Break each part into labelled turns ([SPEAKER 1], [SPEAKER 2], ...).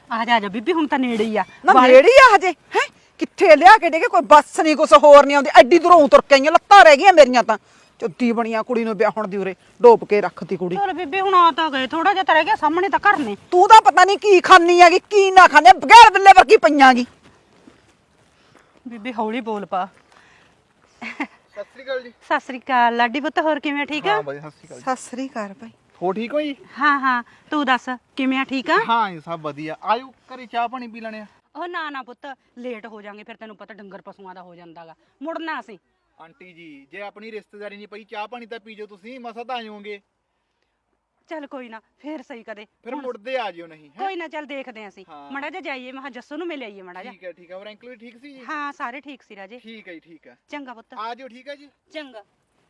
[SPEAKER 1] ਆ ਜਾ ਬੀਬੀ ਹੁਣ ਤਾਂ ਨੇੜੇ ਹੀ ਆ
[SPEAKER 2] ਨਾ ਨੇੜੇ ਹੀ ਆ ਹਜੇ ਹੈ ਕਿੱਥੇ ਲਿਆ ਕੇ ਡੇ ਕੋਈ ਬੱਸ ਨਹੀਂ ਕੁਛ ਹੋਰ ਨਹੀਂ ਆਉਂਦੀ ਐਡੀ ਦੂਰੋਂ ਤੁਰ ਕੇ ਆਈਆਂ ਲੱਤਾਂ ਰਹਿ ਗਈਆਂ ਮੇਰੀਆਂ ਤਾਂ ਚੁੱਤੀ ਬਣੀਆਂ ਕੁੜੀ ਨੂੰ ਵਿਆਹਣ ਦੀ ਉਰੇ ਡੋਬ ਕੇ ਰੱਖਤੀ ਕੁੜੀ
[SPEAKER 1] ਚਲ ਬੀਬੀ ਹੁਣ ਆ ਤਾਂ ਗਏ ਥੋੜਾ ਜਿਹਾ ਤਾਂ ਰਹਿ ਗਿਆ ਸਾਹਮਣੇ ਤਾਂ ਘਰ ਨੇ
[SPEAKER 2] ਤੂੰ ਤਾਂ ਪਤਾ ਨਹੀਂ ਕੀ ਖਾਨੀ ਹੈਗੀ ਕੀ ਨਾ ਖਾਣੇ ਬਗੈਰ ਬਿੱਲੇ ਵਰਗੀ ਪਈਆਂਗੀ
[SPEAKER 1] ਬੀਬੀ ਹੌਲੀ ਬੋਲ ਪਾ
[SPEAKER 3] ਸਤਿ ਸ੍ਰੀ ਅਕਾਲ ਜੀ।
[SPEAKER 1] ਸਤਿ ਸ੍ਰੀ ਅਕਾਲ ਲਾਡੀ ਪੁੱਤ ਹੋਰ ਕਿਵੇਂ ਠੀਕ ਆ
[SPEAKER 3] ਹਾਂ ਬਾਈ ਸਤਿ ਸ੍ਰੀ ਅਕਾਲ।
[SPEAKER 2] ਸਤਿ ਸ੍ਰੀ ਅਕਾਲ ਭਾਈ
[SPEAKER 3] ਹੋ ਠੀਕ ਹੋ ਜੀ?
[SPEAKER 1] ਹਾਂ ਤੂੰ ਦੱਸ ਕਿਵੇਂ ਆ ਠੀਕ ਆ
[SPEAKER 3] ਹਾਂ ਜੀ ਸਭ ਵਧੀਆ। ਆਜੋ ਘਰੇ ਚਾਹ ਪਾਣੀ ਪੀ ਲੈਣੇ ਆ।
[SPEAKER 1] ਉਹ ਨਾ ਪੁੱਤ ਲੇਟ ਹੋ ਜਾਾਂਗੇ ਫਿਰ ਤੈਨੂੰ ਪਤਾ ਡੰਗਰ ਪਸ਼ੂਆਂ ਦਾ ਹੋ ਜਾਂਦਾਗਾ ਮੁੜਨਾ ਅਸੀਂ
[SPEAKER 3] ਆਂਟੀ ਜੀ ਜੇ ਆਪਣੀ ਰਿਸ਼ਤੇਦਾਰੀ ਨਹੀਂ ਪਈ ਚਾਹ ਪਾਣੀ ਤਾਂ ਪੀਜੋ ਤੁਸੀਂ ਮਸਾ ਤਾਂ ਆਜੋਗੇ
[SPEAKER 1] ਚੱਲ ਕੋਈ ਨਾ ਫੇਰ ਸਹੀ ਕਦੇ
[SPEAKER 3] ਫਿਰ ਮੁੜਦੇ ਆ ਜਿਓ ਨਹੀਂ ਹੈ।
[SPEAKER 1] ਕੋਈ ਨਾ ਚੱਲ ਦੇਖਦੇ ਆਂ ਅਸੀਂ
[SPEAKER 3] ਹਾਂ।
[SPEAKER 1] ਮੜਾ ਜਾ ਜਾਈਏ ਮੈਂ ਜੱਸੂ ਨੂੰ ਮਿਲ ਆਈਏ ਮੜਾ ਜਾ
[SPEAKER 3] ਠੀਕ ਹੈ ਹੋਰ ਅੰਕਲ ਵੀ ਠੀਕ ਸੀ ਜੀ?
[SPEAKER 1] ਹਾਂ ਸਾਰੇ ਠੀਕ ਸੀ ਰਾਜੇ
[SPEAKER 3] ਠੀਕ ਹੈ ਜੀ ਠੀਕ ਹੈ।
[SPEAKER 1] ਚੰਗਾ ਪੁੱਤ
[SPEAKER 3] ਆ ਜਿਓ ਠੀਕ ਹੈ ਜੀ।
[SPEAKER 1] ਚੰਗਾ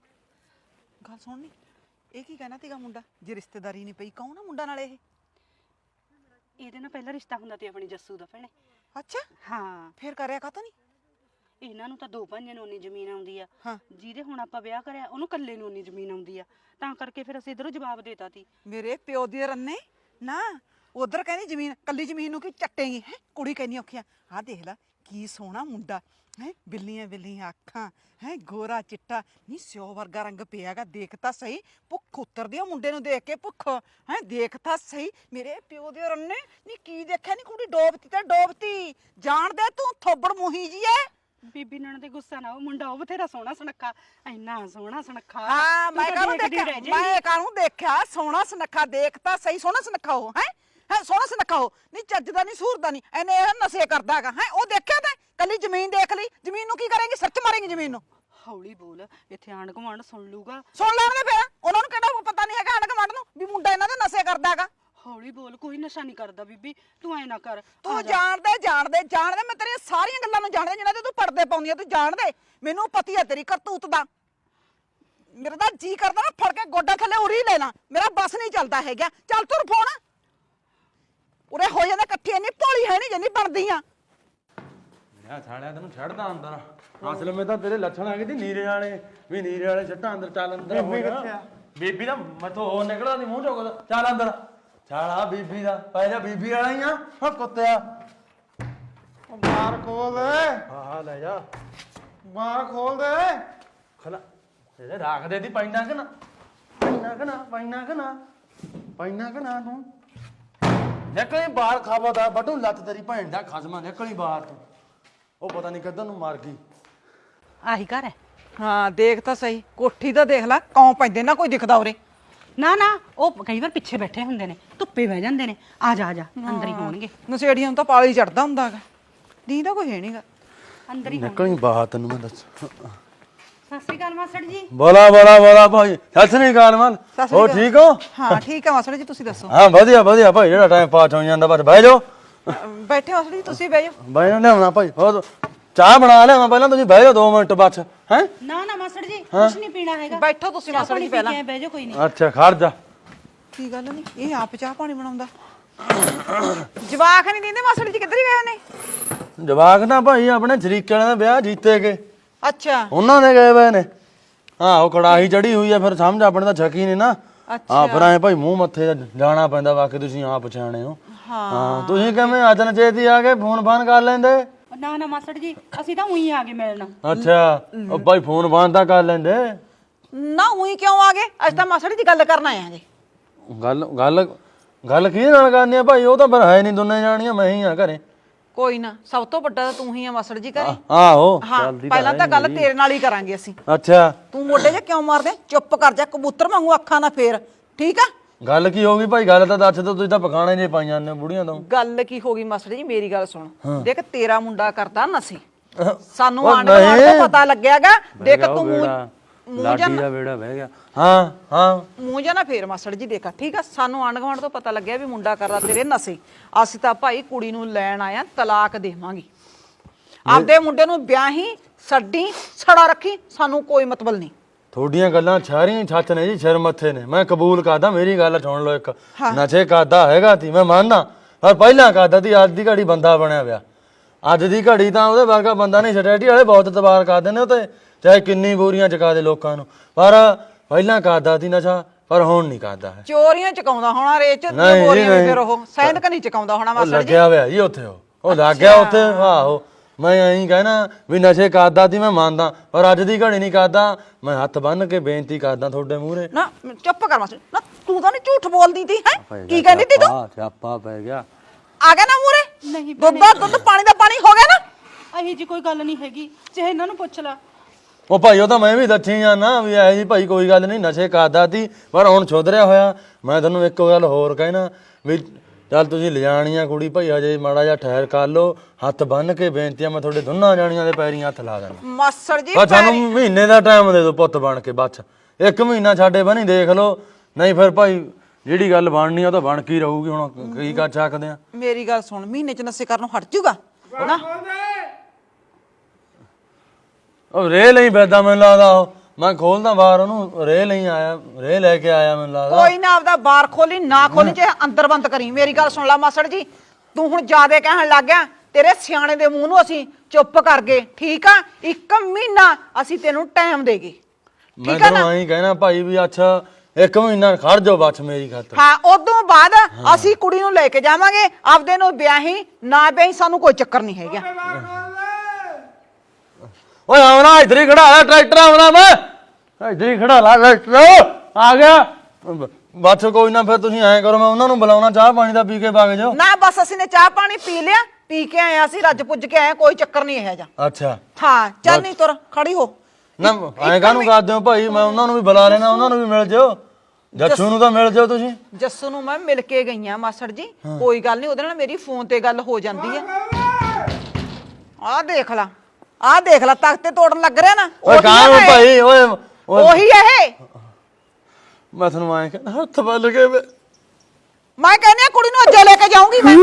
[SPEAKER 2] ਗੱਲ ਸੁਣਨੀ ਇਹ ਕੀ ਕਹਿਣਾ ਤੀਗਾ ਮੁੰਡਾ ਜੇ ਰਿਸ਼ਤੇਦਾਰੀ ਨਹੀਂ ਪਈ ਕੌਣ ਆ ਮੁੰਡਾ ਨਾਲ ਇਹ
[SPEAKER 1] ਇਹਦੇ ਨਾਲ ਪਹਿਲਾ ਰਿਸ਼ਤਾ ਹੁੰਦਾ ਤੇ ਆਪਣੀ ਜੱਸੂ ਦਾ ਭੈਣੇ
[SPEAKER 2] ਅੱਛਾ
[SPEAKER 1] ਹਾਂ
[SPEAKER 2] ਫੇਰ ਕਰਿਆ ਕਾਤੋਂ ਨਹੀਂ
[SPEAKER 1] ਇਹਨਾਂ ਨੂੰ ਤਾਂ ਦੋ ਭਾਈਆਂ ਨੂੰ ਉਨੀ ਜ਼ਮੀਨ ਆਉਂਦੀ ਆ
[SPEAKER 2] ਹਾਂ
[SPEAKER 1] ਜਿਹਦੇ ਹੁਣ ਆਪਾਂ ਵਿਆਹ ਕਰਿਆ ਉਹਨੂੰ ਇਕੱਲੇ ਨੂੰ ਉਨੀ ਜ਼ਮੀਨ ਆਉਂਦੀ ਆ ਤਾਂ ਕਰਕੇ ਫਿਰ ਅਸੀਂ ਇਧਰੋਂ ਜਵਾਬ ਦੇਤਾ ਤੀ
[SPEAKER 2] ਮੇਰੇ ਪਿਓ ਦੀ ਰੰਨੇ ਨਾ ਉਧਰ ਕਹਿੰਦੀ ਜ਼ਮੀਨ ਕੱਲੀ ਜ਼ਮੀਨ ਨੂੰ ਕੀ ਚੱਟੇਗੀ ਹੈ ਕੁੜੀ ਕਹਿੰਦੀ ਔਖੀਆਂ ਆਹ ਦੇਖ ਲੈ ਕੀ ਸੋਹਣਾ ਮੁੰਡਾ ਹੈ ਬਿੱਲੀਆਂ ਬਿੱਲੀਆਂ ਅੱਖਾਂ ਹੈ ਗੋਰਾ ਚਿੱਟਾ ਨਹੀਂ ਸਿਓ ਵਰਗਾ ਰੰਗ ਪਿਆਗਾ ਦੇਖ ਤਾਂ ਸਹੀ ਭੁੱਖ ਉਤਰਦੀ ਆ ਮੁੰਡੇ ਨੂੰ ਦੇਖ ਕੇ ਭੁੱਖ ਹੈ ਦੇਖ ਤਾਂ ਸਹੀ ਮੇਰੇ ਪਿਓ ਦੇ ਰੰਨੇ ਨਹੀਂ ਕੀ ਦੇਖਿਆ ਨਹੀਂ ਕੁੜੀ ਡੋਬਤੀ ਤੇ ਡੋਬਤੀ ਜਾਣਦੇ ਤੂੰ ਥੋਬੜ ਮੂਹੀ ਜੀ ਐ
[SPEAKER 1] ਬੀਬੀ ਨਣ ਤੇ ਗੁੱਸਾ ਨਾ ਉਹ ਮੁੰਡਾ ਉਹ ਬਥੇਰਾ ਸੋਹਣਾ ਸੁਨੱਖਾ ਇੰਨਾ ਸੋਹਣਾ ਸੁਨੱਖਾ
[SPEAKER 2] ਹਾਂ
[SPEAKER 1] ਤੂੰ
[SPEAKER 2] ਮੈਂ
[SPEAKER 1] ਤਾਂ
[SPEAKER 2] ਕਾਹਨੂੰ
[SPEAKER 1] ਦੇਖਦੀ
[SPEAKER 2] ਦੇਖਿਆ
[SPEAKER 1] ਰਹਿ ਜਾਏਂਗੀ।
[SPEAKER 2] ਮੈਂ ਕਾਹਨੂੰ ਦੇਖਿਆ ਸੋਹਣਾ ਸੁਨੱਖਾ ਦੇਖ ਤਾਂ ਸਹੀ ਸੋਹਣਾ ਸੁਨੱਖਾ ਉਹ ਹੈ ਸੋਹਣਾ ਸੁਨੱਖਾ ਉਹ ਨਹੀਂ ਚੱਜਦਾ ਨਹੀਂ ਸੂਰਦਾ ਨਹੀਂ ਇਹਨੇ ਇਹ ਨਸ਼ੇ ਕਰਦਾ ਹੈਗਾ ਹੈ ਉਹ ਦੇਖਿਆ ਤਾਂ ਕੱਲੀ ਜ਼ਮੀਨ ਦੇਖ ਲਈ ਜ਼ਮੀਨ ਨੂੰ ਕੀ ਕਰੇਂਗੀ ਸੱਚ ਮਾਰੇਂਗੀ ਜ਼ਮੀਨ ਨੂੰ
[SPEAKER 1] ਹੌਲੀ ਬੋਲ ਇੱਥੇ ਆਂਢ ਗੁਆਂਢ ਸੁਣ ਲੂਗਾ
[SPEAKER 2] ਸੁਣ ਲੈਣਗੇ ਫਿਰ ਉਹਨਾਂ ਨੂੰ ਕਿਹੜਾ ਪਤਾ ਨਹੀਂ ਹੈਗਾ ਆਂਢ ਗੁਆਂਢ ਨੂੰ ਵੀ ਮੁੰਡਾ ਇਹਨਾਂ ਦੇ ਨਸ਼ੇ ਕਰਦਾ ਹੈਗਾ
[SPEAKER 1] ਹੌਲੀ ਬੋਲ ਕੋਈ ਨਸ਼ਾ ਨਹੀਂ ਕਰਦਾ ਬੀਬੀ ਤੂੰ ਐ ਨਾ ਕਰ
[SPEAKER 2] ਤੂੰ ਜਾਣਦੇ ਮੈਂ ਤੇਰੀਆਂ ਸਾਰੀਆਂ ਗੱਲਾਂ ਨੂੰ ਜਾਣਦਾ ਜਿਨ੍ਹਾਂ ਤੇ ਤੂੰ ਪੜਦੇ ਪਾਉਂਦੀ ਆ ਤੂੰ ਜਾਣਦੇ ਮੈਨੂੰ ਪਤੀ ਆ ਤੇਰੀ ਕਰਤੂਤ ਦਾ ਮੇਰਾ ਤਾਂ ਜੀ ਕਰਦਾ ਨਾ ਫੜ ਕੇ ਗੋਡਾ ਥੱਲੇ ਉਰੀ ਲੈਣਾ ਮੇਰਾ ਬਸ ਨਹੀਂ ਚੱਲਦਾ ਹੈਗਾ ਚੱਲ ਤੁਰ ਫੋਨ ਉਰੇ ਹੋ ਜਾਂਦਾ ਇਕੱਠੀ ਇੰਨੀ ਭੋਲੀ ਹੈ ਨਹੀਂ ਜਿੰਨੀ ਬਣਦੀ ਆ
[SPEAKER 4] ਮੈਂ ਸਾਲਿਆ ਤੈਨੂੰ ਛੱਡਦਾ ਅੰਦਰ ਅਸਲ ਵਿੱਚ ਤਾਂ ਤੇਰੇ ਲੱਛਣ ਆ ਗਏ ਤੇ ਨੀਰੇ ਵਾਲੇ ਵੀ ਨੀਰੇ ਵਾਲੇ ਛੱਟਾਂ ਅੰਦਰ ਚੱਲ ਅੰਦਰ ਬੀਬੀ ਕਿੱਥੇ ਆ ਬੀਬੀ ਦਾ ਮੈਥੋਂ ਹੋਰ ਨਿਕਲਦਾ ਨਹੀਂ ਮੂੰਹ ਚੋਂ ਚੱਲ ਅੰਦਰ ਚੱਲ ਆ ਬੀਬੀ ਦਾ ਪੈ ਜਾ ਬੀਬੀ ਵਾਲਾ ਹੀ ਆ ਹਾਂ ਕੁੱਤਿਆ
[SPEAKER 3] ਉਹ ਬਾਹਰ ਖੋਲ ਦੇ।
[SPEAKER 4] ਹਾਂ ਲੈ ਜਾ
[SPEAKER 3] ਬਾਹਰ ਖੋਲ ਦੇ।
[SPEAKER 4] ਖਲਾ ਤੇਰੇ ਰੱਖ ਦੇ ਦੀ ਪੈਣਾ ਕਿ ਨਾ ਪੈਣਾ ਕਿ ਨਾ ਤੂੰ ਨਿਕਲੀ ਬਾਹਰ ਖਾਵਾ ਬਟੂ ਲੱਤ ਤੇਰੀ ਭੈਣ ਦਾ ਖਸਮਾ ਨਿਕਲੀ ਬਾਹਰ ਤੂੰ ਉਹ ਪਤਾ ਨਹੀਂ ਕਦੋਂ ਨੂੰ ਮਾਰ ਗਈ
[SPEAKER 1] ਆਹੀ ਘਰ ਹੈ
[SPEAKER 2] ਹਾਂ ਦੇਖ ਤਾਂ ਸਹੀ ਕੋਠੀ ਤਾਂ ਦੇਖ ਲੈ ਕੌਂ ਪੈਂਦੇ ਨਾ ਕੋਈ ਦਿਖਦਾ ਉਰੇ
[SPEAKER 1] ਨਾ ਉਹ ਕਈ ਵਾਰ ਪਿੱਛੇ ਬੈਠੇ ਹੁੰਦੇ ਨੇ ਧੁੱਪੇ ਬਹਿ ਜਾਂਦੇ ਨੇ ਆ ਜਾ ਅੰਦਰ ਹੀ ਹੋਣਗੇ
[SPEAKER 2] ਨਸ਼ੇੜੀਆਂ ਨੂੰ ਤਾਂ ਪਾਲੀ ਚੜਦਾ ਹੁੰਦਾ ਹੈਗਾ ਦੀਦਾ ਕੋਈ ਹੈ ਨਹੀਂਗਾ
[SPEAKER 1] ਅੰਦਰ ਹੀ
[SPEAKER 4] ਨਿਕਲੀ ਬਾਹਰ ਤੈਨੂੰ ਮੈਂ ਦੱਸ
[SPEAKER 1] ਸਤਿ ਸ੍ਰੀ ਅਕਾਲ ਮਾਸੜ ਜੀ
[SPEAKER 4] ਬੋਲਾ ਭਾਈ ਸਤਿ ਸ੍ਰੀ ਅਕਾਲ ਮਨ ਹੋ ਠੀਕ ਹੋ
[SPEAKER 2] ਹਾਂ ਠੀਕ ਹੈ ਮਾਸੜ ਜੀ ਤੁਸੀਂ ਦੱਸੋ
[SPEAKER 4] ਹਾਂ ਵਧੀਆ ਭਾਈ ਜਿਹੜਾ ਟਾਈਮ ਪਾਸ ਹੋ ਜਾਂਦਾ ਬਸ ਬਹਿ ਜਾਓ
[SPEAKER 2] ਬੈਠੇ ਮਾਸੜ ਜੀ ਤੁਸੀਂ ਬਹਿ ਜਾਓ
[SPEAKER 4] ਬਹਿ ਜਾ ਲਿਆਉਣਾ ਭਾਈ ਹੋਰ ਚਾਹ ਬਣਾ ਲਿਆਵਾਂ ਪਹਿਲਾਂ ਤੁਸੀਂ ਬਹਿ ਜਾਓ 2 ਮਿੰਟ ਬਸ ਹੈ
[SPEAKER 1] ਨਾ ਮਾਸੜ ਜੀ ਕੁਝ ਨਹੀਂ ਪੀਣਾ ਹੈਗਾ
[SPEAKER 2] ਬੈਠੋ ਤੁਸੀਂ ਮਾਸੜ ਜੀ ਪਹਿਲਾਂ
[SPEAKER 1] ਬਹਿ ਜਾ ਕੋਈ ਨਹੀਂ
[SPEAKER 4] ਅੱਛਾ ਖੜ ਜਾ
[SPEAKER 2] ਕੀ ਗੱਲ ਨਹੀਂ ਇਹ ਆਪ ਚਾਹ ਪਾਣੀ ਬਣਾਉਂਦਾ ਜਵਾਕ ਨਹੀਂ ਦਿੰਦੇ ਮਾਸੜ ਜੀ ਕਿੱਧਰ ਹੀ ਗਏ ਨੇ
[SPEAKER 4] ਜਵਾਕ ਨਾ ਭਾਈ ਆਪਣੇ ਸ਼ਰੀਕੇ ਵਾਲਿਆਂ ਦਾ ਵਿਆਹ ਜੀਤੇ ਕੇ
[SPEAKER 2] ਅੱਛਾ
[SPEAKER 4] ਉਹਨਾਂ ਦੇ ਗਏ ਹੋਏ ਨੇ ਹਾਂ ਉਹ ਕੜਾਹੀ ਚੜੀ ਹੋਈ ਆ ਫਿਰ ਸਮਝ ਆਪਣੇ ਤਾਂ ਛਕੀ ਨਹੀਂ ਨਾ ਹਾਂ ਫਿਰ ਐ ਭਾਈ ਮੂੰਹ ਮੱਥੇ ਜਾਣਾ ਪੈਂਦਾ ਬਾਕੀ ਤੁਸੀਂ ਆਪ ਪਛਾਣੇ ਹੋ ਹਾਂ ਤੁਸੀਂ ਕਿਵੇਂ ਅੱਜ ਨਾ ਚੇਤੀ ਆ ਕੇ ਫੋਨ ਕਰ ਲੈਂਦੇ
[SPEAKER 1] ਨਾ ਮਾਸੜ ਜੀ ਅਸੀਂ ਤਾਂ ਉਹੀ ਆ ਗਏ ਮਿਲਣ
[SPEAKER 4] ਅੱਛਾ ਉਹ ਭਾਈ ਫੋਨ ਤਾਂ ਕਰ ਲੈਂਦੇ
[SPEAKER 2] ਨਾ ਉਹੀ ਕਿਉਂ ਆ ਗਏ ਅੱਜ ਤਾਂ ਮਾਸੜ ਜੀ ਗੱਲ ਕਰਨ ਆਏ ਆ ਜੀ
[SPEAKER 4] ਗੱਲ ਕੀ ਨਾਲ ਕਰਨੀ ਆ ਭਾਈ ਉਹ ਤਾਂ ਫਿਰ ਹੈ ਨਹੀਂ ਦੋਨੇ ਜਾਣੀਆਂ ਮੈਂ ਹੀ ਆ ਘਰੇ
[SPEAKER 2] ਕੋਈ ਨਾ ਸਭ ਤੋਂ ਵੱਡਾ ਤਾਂ ਤੂੰ ਹੀ ਆ ਮਾਸੜ ਜੀ ਘਰੇ
[SPEAKER 4] ਆਹੋ
[SPEAKER 2] ਹਾਂ ਪਹਿਲਾਂ ਤਾਂ ਗੱਲ ਤੇਰੇ ਨਾਲ ਹੀ ਕਰਾਂਗੇ ਅਸੀਂ
[SPEAKER 4] ਅੱਛਾ
[SPEAKER 2] ਤੂੰ ਮੋਢੇ 'ਚ ਕਿਉਂ ਮਾਰਦੇ ਚੁੱਪ ਕਰ ਜਾ ਕਬੂਤਰ ਵਾਂਗੂ ਅੱਖਾਂ ਨਾ ਫੇਰ ਠੀਕ ਆ
[SPEAKER 4] ਗੱਲ ਕੀ ਹੋ ਗਈ ਭਾਈ ਗੱਲ ਤਾਂ ਦੱਸ ਦੋ ਤੁਸੀਂ ਤਾਂ ਪਖਾਣੇ ਜੇ ਪਾਈਆਂ ਨੇ ਬੁੜੀਆਂ ਤੋਂ
[SPEAKER 2] ਗੱਲ ਕੀ ਹੋ ਗਈ ਮਾਸਟਰ ਜੀ ਮੇਰੀ ਗੱਲ ਸੁਣ ਦੇਖ ਤੇਰਾ ਮੁੰਡਾ ਕਰਦਾ ਨਸ਼ੇ ਸਾਨੂੰ
[SPEAKER 4] ਉਹ
[SPEAKER 2] ਆਂਢ ਗੁਆਂਢ ਤੋਂ ਪਤਾ ਲੱਗਿਆਗਾ ਦੇਖ ਤੂੰ
[SPEAKER 4] ਲਾਡੀ ਦਾ ਵੇੜਾ ਬਹਿ ਗਿਆ ਹਾਂ
[SPEAKER 2] ਮੂੰਹ ਜਾਂ ਨਾ ਫੇਰ ਮਾਸਟਰ ਜੀ ਦੇਖਾ ਠੀਕ ਆ ਸਾਨੂੰ ਆਂਢ ਗੁਆਂਢ ਤੋਂ ਪਤਾ ਲੱਗਿਆ ਵੀ ਮੁੰਡਾ ਕਰਦਾ ਤੇਰੇ ਨਸ਼ੇ ਅਸੀਂ ਤਾਂ ਭਾਈ ਕੁੜੀ ਨੂੰ ਲੈਣ ਆਇਆ ਤਲਾਕ ਦੇਵਾਂਗੇ ਆਪਦੇ ਮੁੰਡੇ ਨੂੰ ਵਿਆਹੀ ਛੱਡੀ ਛੜਾ ਰੱਖੀ ਸਾਨੂੰ ਕੋਈ ਮਤਲਬ ਨਹੀਂ
[SPEAKER 4] ਤੁਹਾਡੀਆਂ ਗੱਲਾਂ ਸਾਰੀਆਂ ਛੱਤ ਨੇ ਜੀ ਸਿਰ ਮੱਥੇ ਨੇ ਮੈਂ ਕਬੂਲ ਕਰਦਾ ਮੇਰੀ ਗੱਲ ਸੁਣ ਲਓ ਇੱਕ ਨਸ਼ੇ ਕਰਦਾ ਹੈਗਾ ਤੀ ਮੈਂ ਮੰਨਦਾ ਪਰ ਪਹਿਲਾਂ ਕਰਦਾ ਤੀ ਅੱਜ ਦੀ ਘੜੀ ਬੰਦਾ ਬਣਿਆ ਪਿਆ ਅੱਜ ਦੀ ਘੜੀ ਤਾਂ ਉਹਦੇ ਵਰਗਾ ਬੰਦਾ ਨਹੀਂ ਸਟੇਟੀ ਵਾਲੇ ਬਹੁਤ ਤਬਾਰ ਕਰਦੇ ਨੇ ਉਹ ਤੇ ਚਾਹੇ ਕਿੰਨੀ ਬੋਰੀਆਂ ਚਕਾ ਦੇ ਲੋਕਾਂ ਨੂੰ ਪਰ ਪਹਿਲਾਂ ਕਰਦਾ ਤੀ ਨਸ਼ਾ ਪਰ ਹੁਣ ਨਹੀਂ ਕਰਦਾ ਹੈ।
[SPEAKER 2] ਚੋਰੀਆਂ ਚਕਾਉਂਦਾ ਹੋਣਾ ਰੇਚ ਚ
[SPEAKER 4] ਨਹੀਂ ਜੀ,
[SPEAKER 2] ਬੋਰੀਆਂ ਵੀ
[SPEAKER 4] ਨਹੀਂ।
[SPEAKER 2] ਫਿਰ ਉਹ ਸੈਨਕ ਨਹੀਂ ਚਕਾਉਂਦਾ ਹੋਣਾ
[SPEAKER 4] ਉਹ
[SPEAKER 2] ਮਾਸੜ ਜੀ।
[SPEAKER 4] ਲੱਗਿਆ ਹੋਇਆ ਜੀ ਉੱਥੇ ਉਹ ਲੱਗ ਗਿਆ ਉੱਥੇ। ਆਹੋ ਮੈਂ ਐਂ ਕਹਿਣਾ ਵੀ ਨਸ਼ੇ ਕਰਦਾ ਸੀ ਮੈਂ ਮੰਨਦਾ, ਪਰ ਅੱਜ ਦੀ ਘੜੀ ਨਹੀਂ ਕਰਦਾ। ਮੈਂ ਹੱਥ ਬੰਨ ਕੇ ਬੇਨਤੀ ਕਰਦਾ ਤੁਹਾਡੇ ਮੂਹਰੇ।
[SPEAKER 2] ਨਾ ਚੁੱਪ ਕਰ ਮਾਸੜ ਨਾ, ਤੂੰ ਤਾਂ ਨਹੀਂ ਝੂਠ ਬੋਲਦੀ ਤੀ ਹੈ। ਕੀ ਕਹਿੰਦੀ ਤੀ ਤੂੰ?
[SPEAKER 4] ਸਿਆਪਾ ਪੈ ਗਿਆ।
[SPEAKER 2] ਆ ਗਿਆ ਨਾ ਮੂਹਰੇ?
[SPEAKER 1] ਨਹੀਂ
[SPEAKER 2] ਦੁੱਧ ਦਾ ਦੁੱਧ, ਪਾਣੀ ਦਾ ਪਾਣੀ ਹੋ ਗਿਆ ਨਾ।
[SPEAKER 1] ਅਹੀ ਜੀ ਕੋਈ ਗੱਲ ਨਹੀਂ ਹੈਗੀ, ਚਾਹੇ ਇਹਨਾਂ ਨੂੰ ਪੁੱਛ ਲੈ।
[SPEAKER 4] ਉਹ ਭਾਈ ਉਹ ਤਾਂ ਮੈਂ ਵੀ ਦੱਸੀ ਜਾਂਦਾ ਵੀ ਐ ਜੀ ਭਾਈ ਕੋਈ ਗੱਲ ਨਹੀਂ, ਨਸ਼ੇ ਕਰਦਾ ਸੀ ਪਰ ਹੁਣ ਸੁਧਰਿਆ ਹੋਇਆ। ਮੈਂ ਤੁਹਾਨੂੰ ਇੱਕ ਗੱਲ ਹੋਰ ਕਹਿਣਾ ਵੀ ਚੱਲ ਤੁਸੀਂ ਲਿਜਾਣੀਆਂ ਕੁੜੀ ਭਾਈ ਹਜੇ ਮਾੜਾ ਜਿਹਾ ਠਹਿਰ ਕਰ ਲਓ। ਹੱਥ ਬੰਨ ਕੇ ਬੇਨਤੀ ਆ, ਮੈਂ ਤੁਹਾਡੇ ਦੋਨਾਂ ਜਾਣੀਆਂ ਦੇ ਪੈਰੀਂ ਹੱਥ ਲਾ ਦੇਣਾ।
[SPEAKER 2] ਮਾਸੜ ਜੀ
[SPEAKER 4] ਬਸ ਸਾਨੂੰ ਮਹੀਨੇ ਦਾ ਟਾਈਮ ਦੇ ਦਿਓ ਪੁੱਤ ਬਣ ਕੇ, ਬਸ 1 ਮਹੀਨਾ ਸਾਡੇ ਬਣੀ ਦੇਖ ਲਓ, ਨਹੀਂ ਫਿਰ ਭਾਈ ਜਿਹੜੀ ਗੱਲ ਬਣਨੀ ਆ ਉਹ ਤਾਂ ਬਣ ਕੇ ਹੀ ਰਹੂਗੀ। ਹੁਣ ਕੀ ਕਰ ਸਕਦੇ ਆ।
[SPEAKER 2] ਮੇਰੀ ਗੱਲ ਸੁਣ, ਮਹੀਨੇ ਚ ਨਸ਼ੇ ਕਰਨੋਂ ਹਟ ਜੂਗਾ ਨਾ।
[SPEAKER 4] ਉਹ ਰੇ ਲਈ ਬੈਦਾ ਮੈਨੂੰ ਲੱਗਦਾ। ਉਹ ਮੈਂ ਖੋਲਦਾ ਬਾਹਰ ਉਹਨੂੰ, ਰੇ ਲਈ ਆਇਆ, ਰੇ ਲੈ ਕੇ ਆਇਆ ਮੈਨੂੰ ਲੱਗਦਾ।
[SPEAKER 2] ਕੋਈ ਨਾ ਆਪਦਾ ਬਾਰ ਖੋਲੀ ਨਾ ਖੋਲੀ, ਚਾਹੇ ਅੰਦਰ ਬੰਦ ਕਰੀ। ਮੇਰੀ ਗੱਲ ਸੁਣ ਲੈ ਮਾਸੜ ਜੀ, ਤੂੰ ਹੁਣ ਜ਼ਿਆਦੇ ਕਹਿਣ ਲੱਗ ਗਿਆ। ਤੇਰੇ ਸਿਆਣੇ ਦੇ ਮੂੰਹ ਨੂੰ ਅਸੀਂ ਚੁੱਪ ਕਰ ਗਏ, ਠੀਕ ਆ? 1 ਮਹੀਨਾ ਅਸੀਂ ਤੈਨੂੰ ਟਾਈਮ ਦੇਗੇ,
[SPEAKER 4] ਮੈਂ
[SPEAKER 2] ਠੀਕ ਆ ਨਾ?
[SPEAKER 4] ਤੈਨੂੰ ਐਂ ਕਹਿਣਾ ਭਾਈ ਵੀ ਅੱਛਾ 1 ਮਹੀਨਾ ਖੜ ਜਾਓ ਬਸ ਮੇਰੀ ਖਾਤਰ।
[SPEAKER 2] ਹਾਂ, ਉਦੋਂ ਬਾਅਦ ਅਸੀਂ ਕੁੜੀ ਨੂੰ ਲੈ ਕੇ ਜਾਵਾਂਗੇ। ਆਪਦੇ ਨੂੰ ਵਿਆਹੀ ਨਾ ਵਿਆਹੀ ਸਾਨੂੰ ਕੋਈ ਚੱਕਰ ਨਹੀਂ ਹੈਗਾ।
[SPEAKER 4] ਓਏ ਆਉਣਾ ਇੱਧਰ ਹੀ ਖੜਾ ਲੈ ਟਰੈਕਟਰ, ਆਉਣਾ ਮੈਂ ਇੱਧਰ ਹੀ ਖੜਾ ਲਾ ਟਰੈਕਟਰ। ਆ ਗਿਆ ਬਸ ਕੋਈ ਨਾ, ਫਿਰ ਤੁਸੀਂ ਐਂ ਕਰੋ ਮੈਂ ਉਹਨਾਂ ਨੂੰ ਬੁਲਾਉਣਾ, ਚਾਹ ਪਾਣੀ ਦਾ ਪੀ ਕੇ ਵਗ ਜਾਓ।
[SPEAKER 2] ਨਾ ਬਸ ਅਸੀਂ ਨੇ ਚਾਹ ਪਾਣੀ ਪੀ ਲਿਆ, ਪੀ ਕੇ ਆਏ ਅਸੀਂ, ਰੱਜ ਪੁੱਜ ਕੇ ਆਏ, ਕੋਈ ਚੱਕਰ ਨਹੀਂ ਇਹ ਜਾ।
[SPEAKER 4] ਅੱਛਾ
[SPEAKER 2] ਹਾਂ ਚੱਲ ਨਹੀਂ ਤੁਰ, ਖੜੀ ਹੋ।
[SPEAKER 4] ਨਾ ਐਂ ਕਾਹਨੂੰ ਕਰਦੇ ਹੋ ਭਾਈ? ਮੈਂ ਉਹਨਾਂ ਨੂੰ ਵੀ ਬੁਲਾ ਲੈਣਾ, ਉਹਨਾਂ ਨੂੰ ਵੀ ਮਿਲ ਜਾਓ, ਜੱਸੂ ਨੂੰ ਤਾਂ ਮਿਲ ਜਾਓ ਤੁਸੀਂ।
[SPEAKER 2] ਜੱਸੂ ਨੂੰ ਮੈਂ ਮਿਲ ਕੇ ਗਈ ਆ ਮਾਸੜ ਜੀ, ਕੋਈ ਗੱਲ ਨਹੀਂ, ਉਹਦੇ ਨਾਲ ਮੇਰੀ ਫੋਨ ਤੇ ਗੱਲ ਹੋ ਜਾਂਦੀ ਹੈ। ਆਹ ਦੇਖ ਲਾ, ਆਹ ਦੇਖ ਲਾ, ਤਖਤੇ ਤੋੜਨ ਲੱਗ ਰਿਹਾ ਨਾ।
[SPEAKER 4] ਓਏ ਕਾਹਨੂੰ ਭਾਈ? ਓਏ
[SPEAKER 2] ਉਹੀ ਇਹ।
[SPEAKER 4] ਮੈਂ ਤੁਹਾਨੂੰ ਐਂ ਕਹਿੰਦਾ ਹੱਥ ਬੱਲ ਕੇ
[SPEAKER 2] ਮੈਂ ਕਹਿੰਦੀ ਆ ਕੁੜੀ ਨੂੰ ਅੱਜੇ ਲੈ ਕੇ ਜਾਊਂਗੀ ਮੈਂ।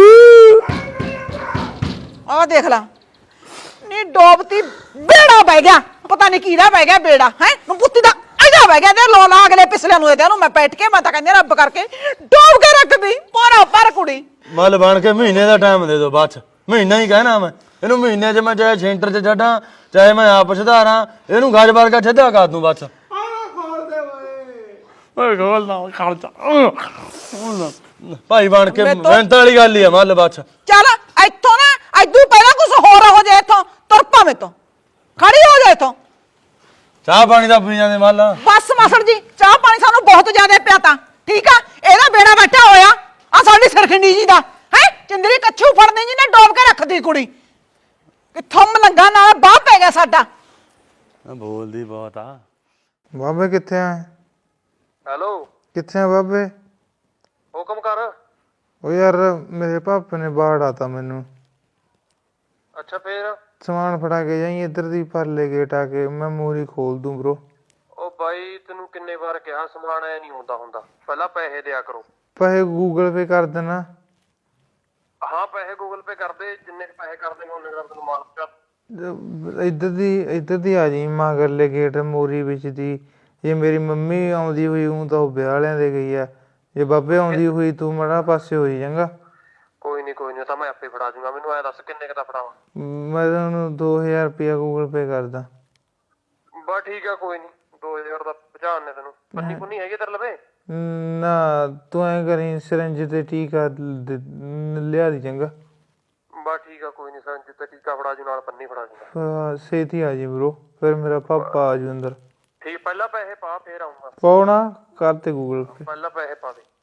[SPEAKER 2] ਆਹ ਦੇਖ ਲਾ ਨੀ, ਡੋਬਤੀ ਬੇੜਾ ਬਹਿ ਗਿਆ, ਪਤਾ ਨਹੀਂ ਕਿਹਦਾ ਬਹਿ ਗਿਆ ਬੇੜਾ ਹੈ। ਨੂੰ ਪੁੱਤੀ ਦਾ ਇਹਦਾ ਬਹਿ ਗਿਆ ਤੇ ਲੋਲਾ ਅਗਲੇ ਪਿਛਲੇ ਨੂੰ ਇਹਦੇ ਨੂੰ ਮੈਂ ਬੈਠ ਕੇ ਮੈਂ ਤਾਂ ਕਹਿੰਦੀ ਰੱਬ ਕਰਕੇ ਡੋਬ ਕੇ ਰੱਖਦੀ ਪੋਰਾ ਪਰ ਕੁੜੀ।
[SPEAKER 4] ਮੱਲ ਬਣ ਕੇ ਮਹੀਨੇ ਦਾ ਟਾਈਮ ਦੇ ਦਿਓ, ਬਸ ਮਹੀਨਾ ਹੀ ਕਹਿਣਾ ਮੈਂ ਇਹਨੂੰ। ਮਹੀਨੇ 'ਚ ਮੈਂ ਚਾਹੇ ਸੈਂਟਰ 'ਚ ਛੱਡਾਂ, ਚਾਹੇ ਮੈਂ ਆਪ ਸੁਧਾਰਾਂ, ਇਹਨੂੰ ਗੱਜ ਵਰਗਾ ਛੱਡਿਆ ਕਰ ਦੂੰ ਬਸ। ਓਏ ਖੋਲਦਾ ਖਰਚਾ ਭਾਈ ਬਣ ਕੇ ਮਿਹਨਤ ਵਾਲੀ ਗੱਲ ਹੀ ਆ ਮੱਲ ਬਸ।
[SPEAKER 2] ਚੱਲ ਇੱਥੋਂ ਨਾ, ਐਦੂ ਪਹਿਲਾਂ ਕੁਝ ਹੋਰ ਹੋ ਜਾਏ, ਇੱਥੋਂ ਤੁਰ ਪਾਵੇਂ ਤੋਂ ਖੜੀ ਹੋ ਜਾ ਇੱਥੋਂ।
[SPEAKER 4] ਚਾਹ ਪਾਣੀ ਦਾ ਪੀ ਜਾਂਦੇ ਮੱਲ।
[SPEAKER 2] ਬਸ ਮਾਸੜ ਜੀ, ਚਾਹ ਪਾਣੀ ਸਾਨੂੰ ਬਹੁਤ ਜ਼ਿਆਦਾ ਪਿਆ ਤਾਂ ਠੀਕ ਆ। ਇਹਦਾ ਬੇੜਾ ਬੈਠਾ ਹੋਇਆ ਆ ਸਾਡੀ ਸਰਖੰਡੀ ਜੀ ਦਾ ਹੈ। ਚੰਦਰੀ ਕੱਛੂ ਫੜਨੇ ਜੀ ਨੇ ਡੋਬ ਕੇ ਰੱਖਦੀ ਕੁੜੀ। ਕਿੱਥੋਂ ਮਲੰਗਾ ਨਾਲ ਬਾਹ ਪੈ ਗਿਆ ਸਾਡਾ।
[SPEAKER 4] ਬੋਲਦੀ ਬਹੁਤ ਆ।
[SPEAKER 5] ਬਾਬੇ ਕਿੱਥੇ ਆ?
[SPEAKER 3] ਹੈਲੋ,
[SPEAKER 5] ਕਿੱਥੇ ਆ ਬਾਬੇ?
[SPEAKER 3] ਹੁਕਮ ਕਰ।
[SPEAKER 5] ਉਹ ਯਾਰ ਮੇਰੇ ਪਾਪੇ ਨੇ ਬਾੜ ਆਤਾ ਮੈਨੂੰ।
[SPEAKER 3] ਅੱਛਾ ਫੇਰ?
[SPEAKER 5] ਸਮਾਨ ਫੜਾ ਕੇ ਜਾਈ ਇੱਧਰ ਦੀ ਪਰਲੇ ਗੇਟ ਆ ਕੇ, ਮੈਂ ਮੂਹਰੀ ਖੋਲ ਦੂੰ ਬ్రో।
[SPEAKER 3] ਉਹ ਬਾਈ ਤੈਨੂੰ ਕਿੰਨੇ ਵਾਰ ਕਿਹਾ ਸਮਾਨ ਐ ਨਹੀਂ ਹੁੰਦਾ, ਪਹਿਲਾਂ ਪੈਸੇ ਦਿਆ ਕਰੋ।
[SPEAKER 5] ਪੈਸੇ ਗੂਗਲ ਪੇ ਕਰ ਦੇਣਾ।
[SPEAKER 3] ਹਾਂ ਪੈਸੇ ਗੂਗਲ ਪੇ ਕਰਦੇ, ਜਿੰਨੇ ਪੈਸੇ ਕਰਦੇ ਨੇ ਉਹਨੇ ਦਾ ਤੈਨੂੰ ਮਾਲ ਪਿਆ।
[SPEAKER 5] ਇੱਧਰ ਦੀ ਆ ਜੀ ਮਗਰਲੇ ਗੇਟ ਮੋਰੀ ਵਿੱਚ ਦੀ। ਜੇ ਮੇਰੀ ਮੰਮੀ ਆਉਂਦੀ ਹੋਈ ਹੂੰ ਤਾਂ ਉਹ ਵਿਆਹ ਵਾਲਿਆਂ ਦੇ ਗਈ ਆ, ਜੇ ਬਾਬੇ ਆਉਂਦੀ ਹੋਈ ਤੂੰ ਮੜਾ ਪਾਸੇ ਹੋਈ ਜਾਂਗਾ।
[SPEAKER 3] ਕੋਈ ਨਹੀਂ ਤਾਂ ਮੈਂ ਆਪੇ ਫੜਾ ਜੂਗਾ। ਮੈਨੂੰ ਐ ਦੱਸ ਕਿੰਨੇ ਦਾ ਫੜਾਵਾਂ?
[SPEAKER 5] ਮੈਂ ਤੁਹਾਨੂੰ 2000 ਰੁਪਇਆ ਗੂਗਲ ਪੇ ਕਰਦਾ।
[SPEAKER 3] ਬਸ ਠੀਕ ਆ, ਕੋਈ ਨਹੀਂ 2000 ਦਾ ਪਹੁੰਚਾਣ ਨੇ ਤੈਨੂੰ। ਪੰਨੀ ਪੁੰਨੀ ਹੈਗੀ ਤੇਰੇ ਲਵੇ?
[SPEAKER 5] ਨਾ ਤੂੰ ਐਂ ਕਰੀ ਸਿਰੰਜ ਤੇ ਟੀਕਾ ਲਿਆ ਦੀ ਚੰਗਾ।
[SPEAKER 3] ਬਸ ਠੀਕ ਆ, ਕੋਈ ਨਹੀਂ ਸੰਜ ਤੇ ਟੀਕਾ ਫੜਾ ਜੂ, ਨਾਲ ਪੰਨੀ ਫੜਾ ਜੂਗਾ।
[SPEAKER 5] ਛੇਤੀ ਆ ਜੀ ਬ్రో, ਫਿਰ ਮੇਰਾ ਪਾਪਾ ਆ ਜੂ ਅੰਦਰ।
[SPEAKER 3] ਠੀਕ, ਪਹਿਲਾਂ ਪੈਸੇ ਪਾ ਫੇਰ ਆਉਂਗਾ।
[SPEAKER 5] ਪਾਉਣਾ ਕਰ ਤੇ ਗੂਗਲ ਪੇ।
[SPEAKER 3] ਪਹਿਲਾਂ ਪੈਸੇ ਪਾ ਦੇ।